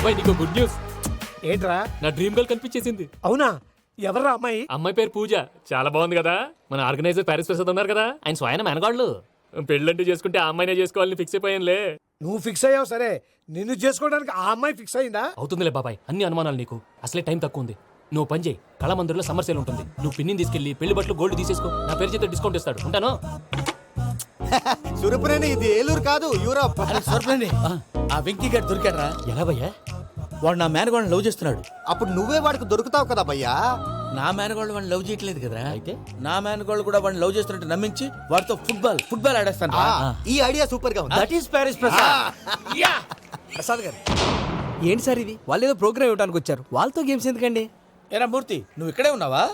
బాబాయ్ నీకు good news. ఏంట్రా? నా డ్రీమ్ గర్ల్ కనిపించేసింది. అవునా? ఎవర్రా అమ్మాయి? అమ్మాయి పేరు పూజ. చాలా బాగుంది కదా. మన ఆర్గనైజర్ ప్యారిస్ ప్రసాద్ ఉన్నారు కదా, ఆయన స్వయం మెనగాళ్ళు. పెళ్ళంటూ చేసుకుంటే ఆ అమ్మాయినే చేసుకోవాలని ఫిక్స్ అయిపోయానులే. నువ్వు ఫిక్స్ అయ్యావు సరే, నిన్ను చేసుకోవడానికి ఆ అమ్మాయి ఫిక్స్ అయిందా? అవుతుందిలే బాబాయ్, అన్ని అనుమానాలు నీకు. అసలే టైం తక్కువ ఉంది. నువ్వు పని చేయి, కళమందిర్లో సమ్మర్ సేల్ ఉంటుంది. నువ్వు పిన్నిని తీసుకెళ్లి పెళ్లి బట్టలు గోల్డ్ తీసేసుకో. నా పేరు చేత డిస్కౌంట్ ఇస్తాడు. ఉంటాను. సురపురేని ఇది ఏలూరు కాదు, యూరోప్. సురపురేని ఆ వెంకీ గారు దొరికాడరా? ఎలా భయ్యా? వాడు నా మేనగోళ్ళని లవ్ చేస్తున్నాడు. అప్పుడు నువ్వే వాడికి దొరుకుతావు కదా భయ్యా. నా మేనగోళ్ళు వాడిని లవ్ చేయట్లేదు కదరా. అయితే నా మేనగోళ్ళు కూడా వాడిని లవ్ చేస్తున్నట్టు నమ్మించి వాడితో ఫుట్బాల్ ఆడేస్తాను. ఈ ఐడియా సూపర్ గా ఉంది. That is Paris Prasad. Prasad గారు ఏంటి సార్ ఇది? వాళ్ళు ఏదో ప్రోగ్రామ్ ఇవ్వడానికి వచ్చారు, వాళ్ళతో గేమ్స్ ఎందుకండి? ఏరా మూర్తి, నువ్వు ఇక్కడే ఉన్నావా?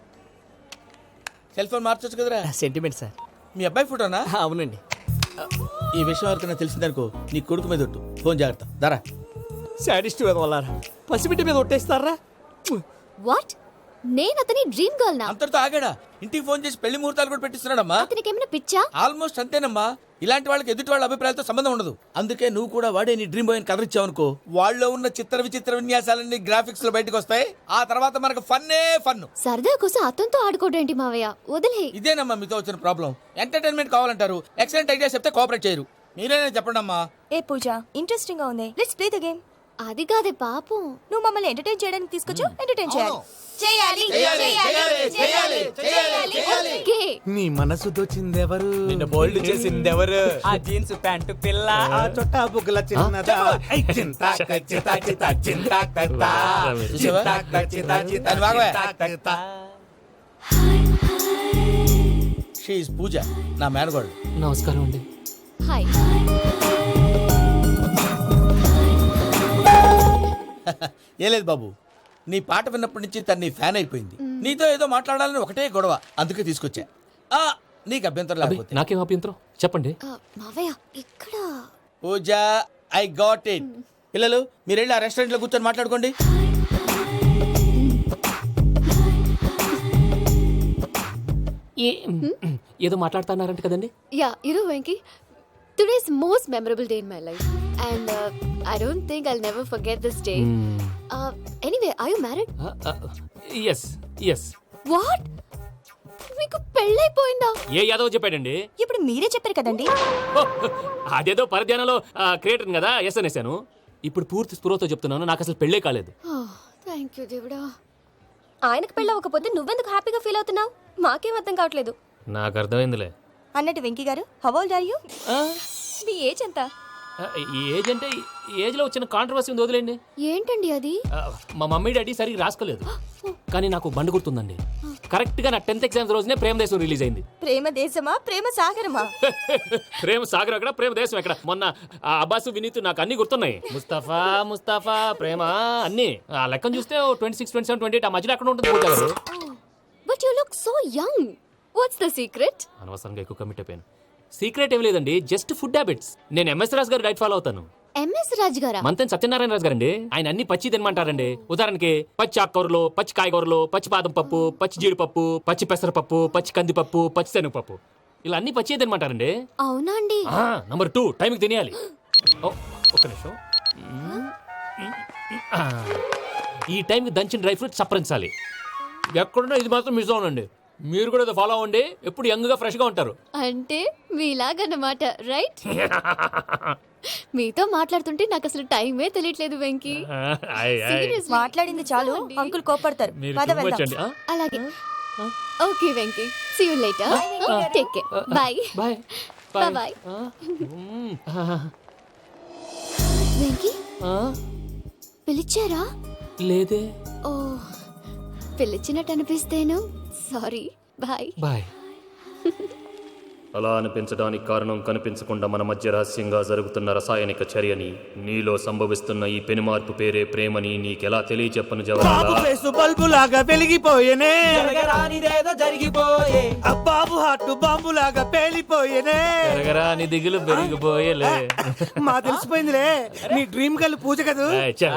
సెల్ ఫోన్ మార్చొచ్చు కదరా. Sentiment sir. మీ అబ్బాయి ఫోటోనా? అవునండి. ఈ విషయం ఎవరికైనా తెలిసిందనుకో నీ కొడుకు మీద ఒట్టు. ఫోన్ జాగ్రత్త. దరా సాడిస్ట్ వాళ్ళారా, పసిబిడ్డ మీద ఒట్టేస్తారా? వాట్? నేను అతని డ్రీమ్ గర్ల్ నా? అంతటితో ఆగాడా? ఇంటికి ఫోన్ చేసి పెళ్లి ముహూర్తాలు కూడా పెట్టిస్తున్నాడమ్మా. అతనికి ఏమైనా పిచ్చా? ఆల్మోస్ట్ అంతేనమ్మా. ఇలాంటి వాళ్ళకి ఎదుటి వాళ్ళ అభిప్రాయాలతో సంబంధం ఉండదు. అందుకే నువ్వు కూడా వాడే నీ డ్రీమ్ బాయ్ కలర్ ఇచ్చావనుకో, వాళ్ళలో ఉన్న చిత్ర విచిత్ర విన్యాసాలన్నీ గ్రాఫిక్స్ లో బయటకు వస్తాయి. ఆ తర్వాత మనకు ఫన్నే ఫన్. సరదా కోసం అతనితో ఆడుకోవడేంటి మావయ్య? వదిలే. ఇదేనమ్మా మీతో వచ్చిన ప్రాబ్లం. ఎంటర్టైన్మెంట్ కావాలంటారు, ఎక్సలెంట్ ఐడియా చెప్తే కోఆపరేట్ చేయరు. మీరేనే చెప్పండి అమ్మా. ఏ పూజ, ఇంట్రెస్టింగ్ గా ఉంది. Let's play the game. అది కాదే పాపం. నువ్వు మమ్మల్ని ఎంటర్టైన్ చేయడానికి తీసుకొచ్చు, ఎంటర్టైన్ చేయాలి. ఓకే. నీ మనసు దోచిందెవరు? నిన్ను బోల్డ్ చేసిందెవరు? ఆ జీన్స్ ప్యాంటు పిల్ల, ఆ చుట్టా బుగ్గల చిన్నదా. చూసావా? అది బాగోయ్. షీ ఈజ్ పూజ, నా మేనగోడు. నమస్కారం అండి. హాయ్. ఏ లేదు బాబు, నీ పాట విన్నప్పటి నుంచి తను నీ ఫ్యాన్ అయిపోయింది. నీతో ఏదో మాట్లాడాలని ఒకటే గొడవ, అందుకే తీసుకొచ్చా. నీకు అభ్యంతరం లేకపోతే. నాకేం అభ్యంతరం చెప్పండి. మావయ్య ఇక్కడ. Pooja, I got it. పిల్లలు మీరు వెళ్ళి ఆ రెస్టారెంట్ లో కూర్చొని మాట్లాడుకోండి. ఏదో మాట్లాడుతున్నారంట కదండి. Yeah, Venky, today's most memorable day in my life and I don't think I'll never forget this day. Anyway, are you married? yes. What? మీకు పెళ్ళైపోయిందా? ఏ యాదవ్ చెప్పాడండి? ఇప్పుడు మీరే చెప్పారు కదండి. అదేదో పరధ్యానంలో క్రియేటర్ కదా ఎస్ అనేసాను. ఇప్పుడు పూర్తి స్పృహతో చెప్తున్నాను, నాకు అసలు పెళ్ళే కాలేదు. థ్యాంక్ యూ దేవుడా. ఆయనకు పెళ్ళవకపోతే నువ్వెందుకు హ్యాపీగా ఫీల్ అవుతున్నావు? మాకేం అర్థం కావట్లేదు. నాకు అర్థమైందిలే. అన్నట్టు Venky garu, how old are you? మీ ఏజ్ ఎంత? ఏజ్ అంటే ఏజ్ లో వచ్చిన కాంట్రవర్సీ ఉంది, వదిలేండి. ఏంటండి అది? మా మమ్మీ డాడీ సరిగ్గా రాసుకోలేదు, కానీ నాకు బండి గుర్తుందండి. కరెక్ట్ గా నా 10th ఎగ్జామ్స్ రోజునే ప్రేమ దేశం రిలీజ్ అయింది. ప్రేమ దేశమా, ప్రేమ సాగరమా? ప్రేమ సాగర్ ఎక్కడ, ప్రేమ దేశం ఎక్కడ? మొన్న అబ్బాసు వినీత్ నాకు అన్ని గుర్తున్నాయి. ముస్తఫా ప్రేమ అన్ని ఆ లెక్కను చూస్తే 26, 27, 28 ఆ మధ్యలో ఎక్కడ ఉంటుంది Pooja garu? But you look so young. What's the secret? అనవసరంగా ఎక్కువ కమిట్ అయిపోయాను. సీక్రెట్ ఏం లేదండి, జస్ట్ ఫుడ్ హ్యాబిట్స్. నేను MS Raju garu diet follow అవుతాను. ఎంఎస్ రాజు గారా? మంతెన్ సత్యనారాయణ రాజు గారండి. ఆయన అన్ని పచ్చి తినమంటారండి. ఉదాహరణకి పచ్చి ఆకుకూరలు, పచ్చి కాయగూరలు, పచ్చి బాదం పప్పు, పచ్చి జీడిపప్పు, పచ్చి పెసరపప్పు, పచ్చి కందిపప్పు, పచ్చి శనగపప్పు, ఇలా అన్ని పచ్చి తినమంటారండి. అవునా అండి? నంబర్ 2, టైంకి తినేయాలి. ఒక్క నిమిషం. ఈ టైంకి దంచిన డ్రై ఫ్రూట్స్ సప్పరించాలి. ఎక్కడున్నా ఇది మాత్రం మిస్ అవునండి. మీరు కూడా ఫాలో అవ్వండి, ఎప్పుడు యంగ్ గా ఫ్రెష్ గా ఉంటారు. అంటే మీలాగన్నమాట, రైట్? మీతో మాట్లాడుతుంటే నాకు అసలు టైమే తెలియట్లేదు వెంకీ. మాట్లాడింది చాలు, అంకుల్ కోపడతారు. అలాగే. Okay Venky, see you later. Take care. Bye bye. Venky, పిలిచారా? లేదే. ఓ, పిలిచినట్టు అనిపిస్తేను సారీ. బాయ్. అలా అనిపించడానికి కారణం కనిపించకుండా మన మధ్య రహస్యంగా జరుగుతున్న రసాయనిక చర్యని, నీలో సంభవిస్తున్న ఈ పెనుమార్పు పేరే ప్రేమని నీకెలా తెలియచెప్పను జవరాలా? బల్బులాగా వెలిగిపోయేనే, జరిగిపోయే బాబు హార్ట్ బాంబులాగా పేలిపోయేనే, జరగరాని దిగులు పెరిగిపోయేలే. మా తెలిసిపోయిందిలే, నీ డ్రీమ్ గర్ల్ పూజ కదూ.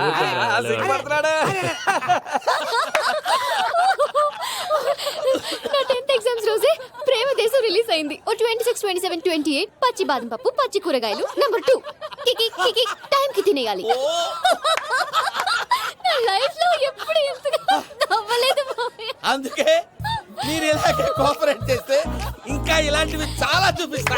నా 10th ఎగ్జామ్స్ రోజే ప్రేమ దేశం రిలీజ్ అయింది. 26, 27, 28 పచ్చి బాదం పప్పు, పచ్చి కూరగాయలు. నంబర్ 2 కికి టైం కి తినేయాలి. అందుకే మీరు ఇలాగే కోఆపరేట్ చేస్తే ఇంకా ఇలాంటివి చాలా చూపిస్తా.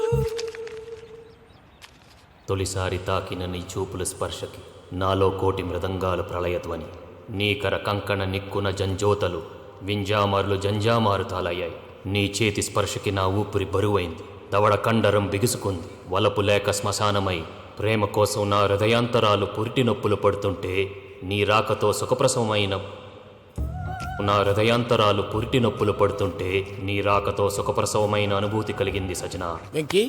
తొలిసారి తాకిన నీ చూపుల స్పర్శకి నాలో కోటి మృదంగాలు ప్రళయధ్వని, నీకర కంకణ నిక్కున జంజోతలు వింజామారులు జంజామారు తాలయ్యాయి. నీ చేతి స్పర్శకి నా ఊపిరి బరువైంది, దవడ కండరం బిగుసుకుంది. వలపు లేక శ్మశానమై ప్రేమ కోసం నా హృదయాంతరాలు పురిటి నొప్పులు పడుతుంటే నీ రాకతో సుఖప్రసవమైన నా హృదయాంతరాలు పురిటి నొప్పులు పడుతుంటే నీ రాకతో సుఖప్రసవమైన అనుభూతి కలిగింది సజనా. వెంకీ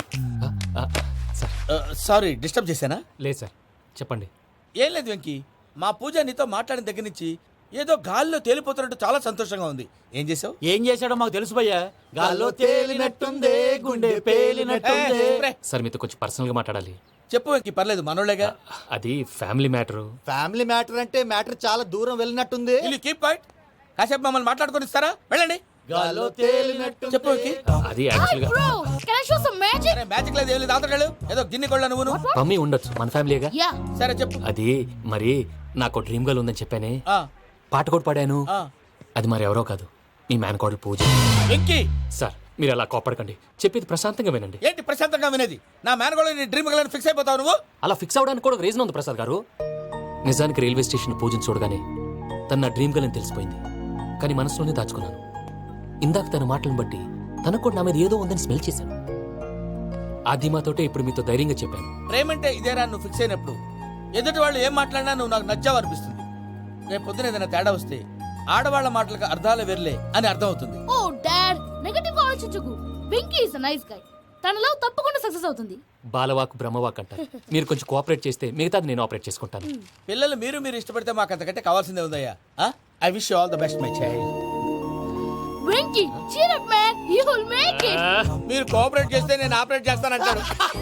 సారీ డిస్టర్బ్ చేశానా? లేదు సార్, చెప్పండి. ఏం లేదు వెంకీ, మా పూజ నీతో మాట్లాడిన దగ్గర నుంచి ఏదో గాల్లో తేలిపోతున్నట్టు చాలా సంతోషంగా ఉంది. ఏం చేసావు? ఏం చేశాడో మాకు తెలుసు భయ్యా. గాల్లో తేలినట్టుందే, గుండె పేలినట్టుందే. సార్ మీతో కొంచెం పర్సనల్గా మాట్లాడాలి. చెప్పు వెంకీ, పర్లేదు మనోళ్ళేగా. అది ఫ్యామిలీ మ్యాటరు. ఫ్యామిలీ మ్యాటర్ అంటే మ్యాటర్ చాలా దూరం వెళ్ళినట్టుంది. Keep quiet. కాసేపు మమ్మల్ని మాట్లాడుకొని ఇస్తారా? వెళ్ళండి. గాల్లో తేలినట్టు చెప్పు వెంకీ. అది యాక్చువల్గా Bro, can I show some magic? అరే మ్యాజిక్ లేదు, ఏం లేదు, ఆతడాలు ఏదో గిన్నె కొళ్ళ నువ్వు. మమ్మీ ఉండొచ్చు, మన ఫ్యామిలీగా. Yeah. సరే చెప్పు. అది మరి నాకు డ్రీమ్ గర్ల్ ఉందని చెప్పానే, ఆ, పాట కూడా పాడాను. ఆ. అది మరి ఎవరో కాదు, మీ మేనకోడలు పూజ. వెంకీ సార్ మీరు అలా కోపడకండి, చెప్పేది ప్రశాంతంగా వినండి. ఏంటి ప్రశాంతంగా వినేది? నా మేనగోళ నీ డ్రీమ్ గర్ల్ ఫిక్స్ అయిపోతావు నువ్వు. అలా ఫిక్స్ అవడానికి కూడా ఒక రీజన్ ఉంది ప్రసాద్ గారు. నిజానికి రైల్వే స్టేషన్ పూజను చూడగానే తను నా డ్రీమ్ గర్ల్ అని తెలిసిపోయింది, కానీ మనసులోనే దాచుకున్నాను. ఇందాక తన మాటలను బట్టి తనకు కూడా నా మీద ఏదో ఉందని స్మెల్ చేశాను. అది మాతోటే ఇప్పుడు మీతో ధైర్యంగా చెప్పాను. ప్రేమంటే ఇదేరా నువ్వు ఫిక్స్ అయినప్పుడు ఎదుటి వాళ్ళు ఏం మాట్లాడినా నువ్వు నాకు నచ్చావు అనిపిస్తుంది. రేపు పొద్దున ఏదైనా తేడా వస్తే ఆడవాళ్ల మాటలకు అర్థాలు వెర్లే అని అర్థం అవుతుంది. ఓ డాడ్, నెగటివ్ గా ఆలోచించకు. Venky is a nice guy. తన లవ్ తప్పకుండా సక్సెస్ అవుతుంది. బాలవాక్ బ్రహ్మవాక్ అంటారు. మీరు కొంచెం కోఆపరేట్ చేస్తే మిగతాది నేను ఆపరేట్ చేసుకుంటాను. పిల్లలు మీరు ఇష్టపడితే మాకు అంతకంటే కావాల్సిందే ఉందయ్యా. I wish you all the best my child. Venky, cheer up man, you will make it. మీరు కోఆపరేట్ చేస్తే నేను ఆపరేట్ చేస్తానంటాడు.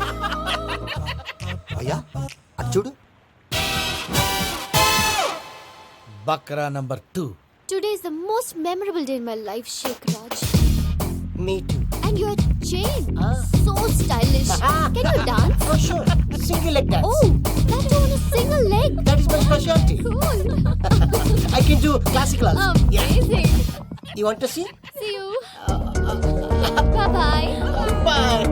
అయ్యా అది చూడు. బక్రా number 2. Today is the most memorable day in my life, Sheikh Raj. Me too. And your chain, so stylish. Can you dance? Oh sure. Single leg dance. Oh, that too on a single leg. That is my specialty. Cool. I can do classical also. Amazing. You want to see? See you. Bye-bye. Bye.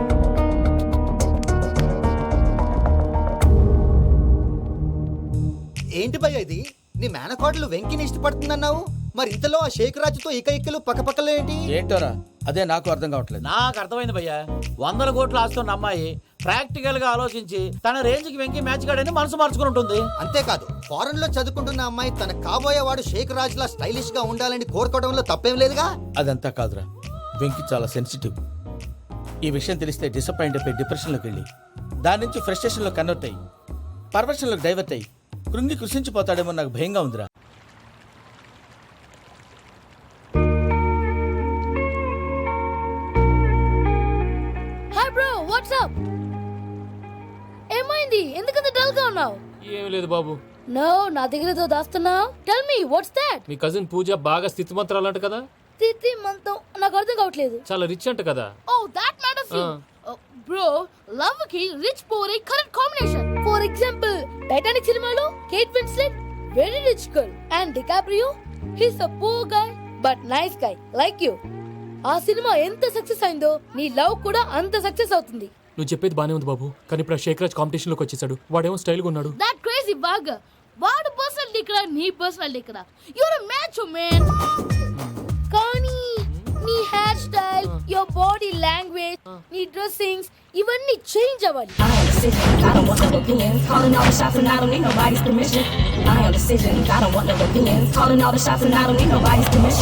ఏంటి భయ్య ఇది? నీ మేనకోడలు వెంకిని ఇష్టపడుతుందన్నావు, మరి ఇంతలో ఆ షేక్ రాజుతో ఇకలు పక్కపక్కలో ఏంటి? ఏంటోరా అదే నాకు అర్థం కావట్లేదు. నాకు అర్థమైంది భయ్యా. 100 కోట్లు ఆస్తున్న అమ్మాయి ప్రాక్టికల్ గా ఆలోచించి తన రేంజ్ కి వెంకి మ్యాచ్ కాడని మనసు మార్చుకుని ఉంటుంది. అంతేకాదు, ఫారెన్ లో చదువుకుంటున్న అమ్మాయి తన కాబోయేవాడు షేక్ రాజ్ లా స్టైలిష్ గా ఉండాలని కోరుకోవడంలో తప్పేం లేదుగా. అదంతా కాదురా, వెంకి చాలా సెన్సిటివ్. ఈ విషయం తెలిస్తే డిసప్పాయింట్ అయిపోయి డిప్రెషన్లోకి వెళ్ళి దాని నుంచి ఫ్రస్ట్రేషన్లో కన్వర్ట్ అయ్యి పర్వర్షన్లోకి డైవర్ట్ అయ్యి కృంగి కృషించిపోతాడేమో నాకు భయంగా ఉందిరా. Hi bro, what's up? ఏమైంది? ఎందుకంత డల్ గా ఉన్నావు? ఏం లేదు బాబు. నో, నా దగ్గర ఏదో దాస్తున్నావు. Tell me what's that? మీ కజిన్ పూజ బాగా స్థితిమంతరాలు అంట కదా. తిత్తి మంతం నాకు అర్థం కావట్లేదు. చాలా రిచ్ అంట కదా. Oh that matters you. Bro, love కి rich poor a correct combination. For example, Titanic సినిమాలో Kate Winslet very rich girl and DiCaprio he's a poor guy but nice guy like you. ఆ సినిమా ఎంత success అయిందో నీ love కూడా అంత success అవుతుంది. నువ్వు చెప్పేది బానే ఉంది బాబు, కానీ ఇప్పుడు ఆ షేక్ రాజ్ కాంపిటీషన్ లోకి వచ్చేసాడు. వాడేమో స్టైల్ గా ఉన్నాడు. That crazy bag. వాడు పర్సనల్ ఇక్కడ, నీ పర్సనల్ ఇక్కడ. You're a match man. కానీ నీ hair style, your body language, నీ డ్రెస్సింగ్స్ ఇవన్నీ చేంజ్ అవ్వాలి. I am decisions, I don't want no opinions. Calling all the shots and I don't need nobody's permission. I am decisions, I don't want no opinions. Calling all the shots and I don't need nobody's permission.